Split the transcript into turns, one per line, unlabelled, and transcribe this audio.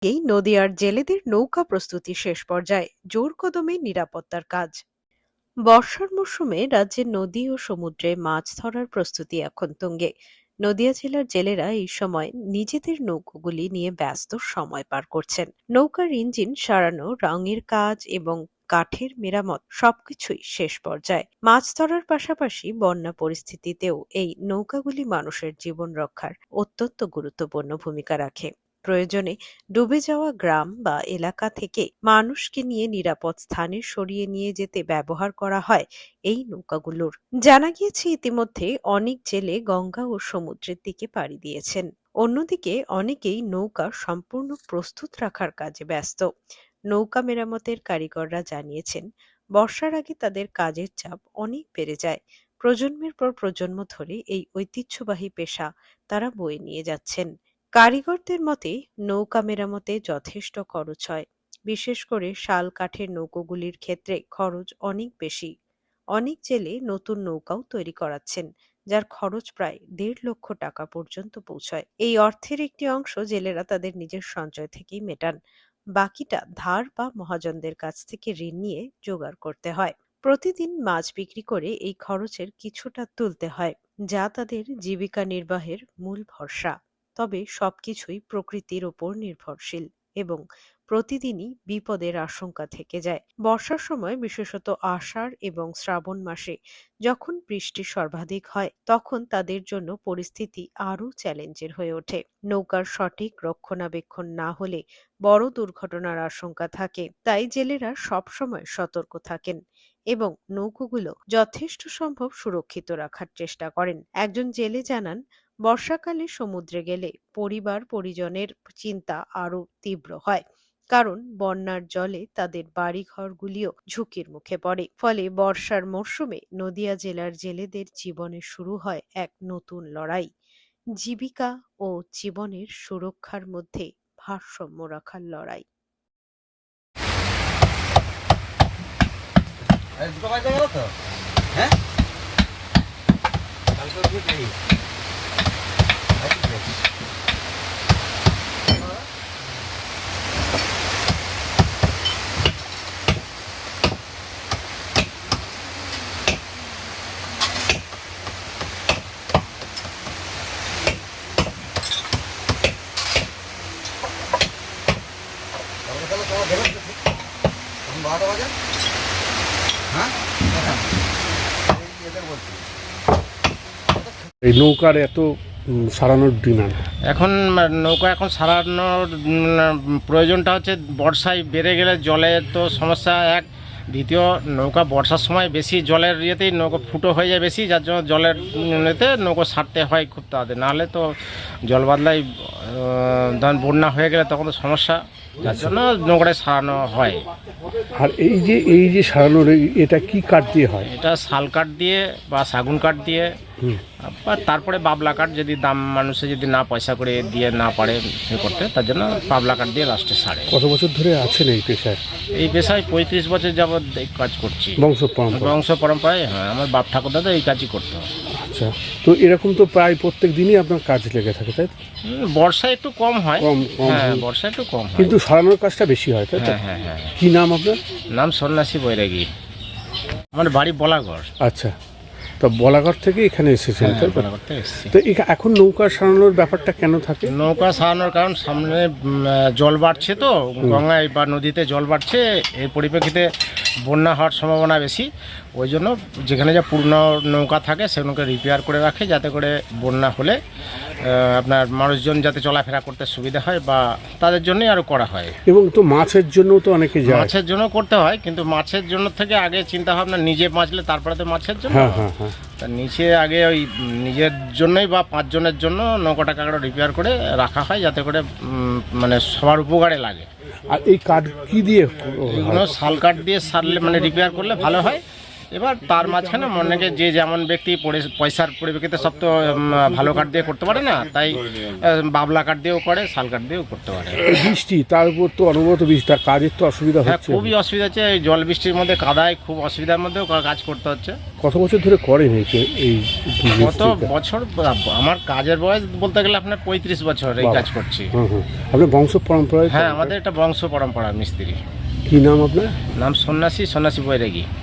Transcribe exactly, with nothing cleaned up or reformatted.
এই নদীয়ার জেলেদের নৌকা প্রস্তুতি শেষ পর্যায়ে, জোর কদমে নিরাপত্তার কাজ। বর্ষার মরশুমে রাজ্যের নদী ও সমুদ্রে মাছ ধরার প্রস্তুতি এখন তুঙ্গে। নদিয়া জেলার জেলেরা এই সময় নিজেদের নৌকোগুলি নিয়ে ব্যস্ত সময় পার করছেন। নৌকার ইঞ্জিন সারানো, রঙের কাজ এবং কাঠের মেরামত সবকিছুই শেষ পর্যায়ে। মাছ ধরার পাশাপাশি বন্যা পরিস্থিতিতেও এই নৌকাগুলি মানুষের জীবন রক্ষার অত্যন্ত গুরুত্বপূর্ণ ভূমিকা রাখে। প্রয়োজনে ডুবে যাওয়া গ্রাম বা এলাকা থেকে মানুষকে নিয়ে নিরাপদ স্থানে সরিয়ে নিয়ে যেতে ব্যবহার করা হয় এই নৌকাগুলোর। জানা গিয়েছে ইতিমধ্যে অনেক জেলে গঙ্গা ও সমুদ্রের দিকে পাড়ি দিয়েছেন। অন্যদিকে অনেকেই নৌকা সম্পূর্ণ প্রস্তুত রাখার কাজে ব্যস্ত। নৌকা মেরামতের কারিগররা জানিয়েছেন, বর্ষার আগে তাদের কাজের চাপ অনেক বেড়ে যায়। প্রজন্মের পর প্রজন্ম ধরে এই ঐতিহ্যবাহী পেশা তারা বয়ে নিয়ে যাচ্ছেন। কারিগরদের মতে, নৌকা মেরামতে যথেষ্ট খরচ হয়। বিশেষ করে শাল কাঠের নৌকোগুলির ক্ষেত্রে খরচ অনেক বেশি। অনেক জেলে নতুন নৌকাও তৈরি করাচ্ছেন, যার খরচ প্রায় দেড় লক্ষ টাকা পর্যন্ত পৌঁছায়। এই অর্থের একটি অংশ জেলেরা তাদের নিজের সঞ্চয় থেকেই মেটান। বাকিটা ধার বা মহাজনদের কাছ থেকে ঋণ নিয়ে জোগাড় করতে হয়। প্রতিদিন মাছ বিক্রি করে এই খরচের কিছুটা তুলতে হয়, যা তাদের জীবিকা নির্বাহের মূল ভরসা। তবে সবকিছুই প্রকৃতির ওপর নির্ভরশীল এবং প্রতিদিনই বিপদের আশঙ্কা থেকে যায়। বর্ষার সময়, বিশেষত আষাঢ় এবং শ্রাবণ মাসে যখন বৃষ্টি সর্বাধিক হয়, তখন তাদের জন্য পরিস্থিতি আরও চ্যালেঞ্জের হয়ে ওঠে। নৌকার সঠিক রক্ষণাবেক্ষণ না হলে বড় দুর্ঘটনার আশঙ্কা থাকে। তাই জেলেরা সবসময় সতর্ক থাকেন এবং নৌকোগুলো যথেষ্ট সম্ভব সুরক্ষিত রাখার চেষ্টা করেন। একজন জেলে জানান, বর্ষাকালে সমুদ্রে গেলে পরিবার পরিজনের চিন্তা আরো তীব্র হয়, কারণ বন্যার জলে তাদের বাড়িঘরগুলিও ঝুঁকির মুখে পড়ে। ফলে বর্ষার মরশুমে নদিয়া জেলার জেলেদের জীবনে শুরু হয় এক নতুন লড়াই, জীবিকা ও জীবনের সুরক্ষার মধ্যে ভারসাম্য রাখার লড়াই।
হ্যাঁ বারোটা বাজে। হ্যাঁ
এই নৌকার এত উম, সারানোর ডিমান্ড
এখন নৌকা এখন সারানোর উম, প্রয়োজনটা হচ্ছে বর্ষায় বেড়ে গেলে জলের তো সমস্যা এক। দ্বিতীয়, নৌকা বর্ষার সময় বেশি জলের ইয়েতেই নৌকা ফুটো হয়ে যায় বেশি, যার জন্য জলের ইয়েতে নৌকা সারতে হয় খুব তাড়াতাড়ি। নাহলে তো জল বাদলায় ধরেন বন্যা হয়ে গেলে তখন তো সমস্যা, যার জন্য নৌকাটায় সারানো হয়।
আর এই যে এই যে সারানোর এই- এটা কি কাঠ দিয়ে হয়?
এটা শাল কাঠ দিয়ে বা শাগুন কাঠ দিয়ে,
হুম।
বা তারপরে বাবলা কাঠ, যদি দাম মানুষে যদি না পয়সা করে দিয়ে না পারে এ করতে, তার জন্য বাবলা কাঠ দিয়ে লাস্টে সারে।
কত বছর ধরে আছেন এই পেশায়?
এই পেশায় পঁয়ত্রিশ বছর যাবৎ এই কাজ করছি।
বংশ পরম্পরা?
বংশ পরম্পরায়, হ্যাঁ, আমার বাপ ঠাকুরদাদা এই কাজই করতো।
আচ্ছা, তো এরকম তো প্রায় প্রত্যেক দিনই আপনার কাজ লেগে থাকে, তাই তো?
হুম, বর্ষায় একটু কম হয়।
কম কম
হ্যাঁ,
হয়।
বর্ষায় একটু কম হয়।
কিন্তু সারানোর কাজটা বেশি হয়, তাই তো?
হ্যাঁ হ্যাঁ হ্যাঁ।
কি নাম আপনার?
নাম সন্ন্যাসী বৈরাগী। আমার বাড়ি বলাগড়।
আচ্ছা, তো বলাগড় থেকে এখানে এসেছেন,
হ্যাঁ,
তাই তো?
বলাগড় থেকে এসেছি।
তো এখা- এখন নৌকা সারানোর ব্যাপারটা কেন থাকে?
নৌকা সারানোর কারণ সামনে উম, জল বাড়ছে, তো গঙ্গায় বা নদীতে জল বাড়ছে, এর পরিপ্রেক্ষিতে বন্যা হওয়ার সম্ভাবনা বেশি। ওই জন্য যেখানে যে পুরনো নৌকা থাকে সেগুলোকে রিপেয়ার করে রাখে, যাতে করে বন্যা হলে আহ, আপনার মানুষজন যাতে চলাফেরা করতে সুবিধা হয়, বা তাদের জন্যই আরও করা হয়।
এবং তো মাছের জন্য তো অনেকে যায়।
মাছের জন্য করতে হয়, কিন্তু মাছের জন্য থেকে আগে চিন্তা ভাবনা নিজে বাঁচলে তারপরে তো মাছের জন্য।
হ্যাঁ হ্যাঁ হ্যাঁ।
তা নিচে আগে ওই নিজের জন্যই বা পাঁচজনের জন্য নৌকাটাকে রিপেয়ার করে রাখা হয়, যাতে করে উম, মানে সবার উপকারে লাগে।
আর এই কাঠ কি দিয়ে?
এগুলো শাল কাঠ দিয়ে সারলে মানে রিপেয়ার করলে ভালো হয়। এবার তার মাঝখানে মনে যে যেমন ব্যক্তি পরি- পয়সার পরিপ্রেক্ষিতে সব তো উম, ভালো কাঠ দিয়ে করতে পারে না, তাই আহ, বাবলা কাঠ দিয়েও করে, শাল কাঠ দিয়েও করতে পারে।
বৃষ্টি, তার উপর তো অনবরত বৃষ্টি, তার কাজের তো অসুবিধা
হ্যাঁ,
হচ্ছে।
খুবই অসুবিধা হচ্ছে, এই জল বৃষ্টির মধ্যে কাদায় খুব অসুবিধার মধ্যেও কাজ করতে হচ্ছে।
কত বছর ধরে করেন এই যে- এই
কত বছর, আমার কাজের বয়স বলতে গেলে আপনার পঁয়ত্রিশ বছর এই
বাবা।
কাজ করছি।
হুম হুম আপনার বংশ পরম্পরায়?
হ্যাঁ, আমাদের এটা বংশ পরম্পরা মিস্ত্রি।
কি নাম আপনার?
নাম সন্ন্যাসী, সন্ন্যাসী বৈরাগী।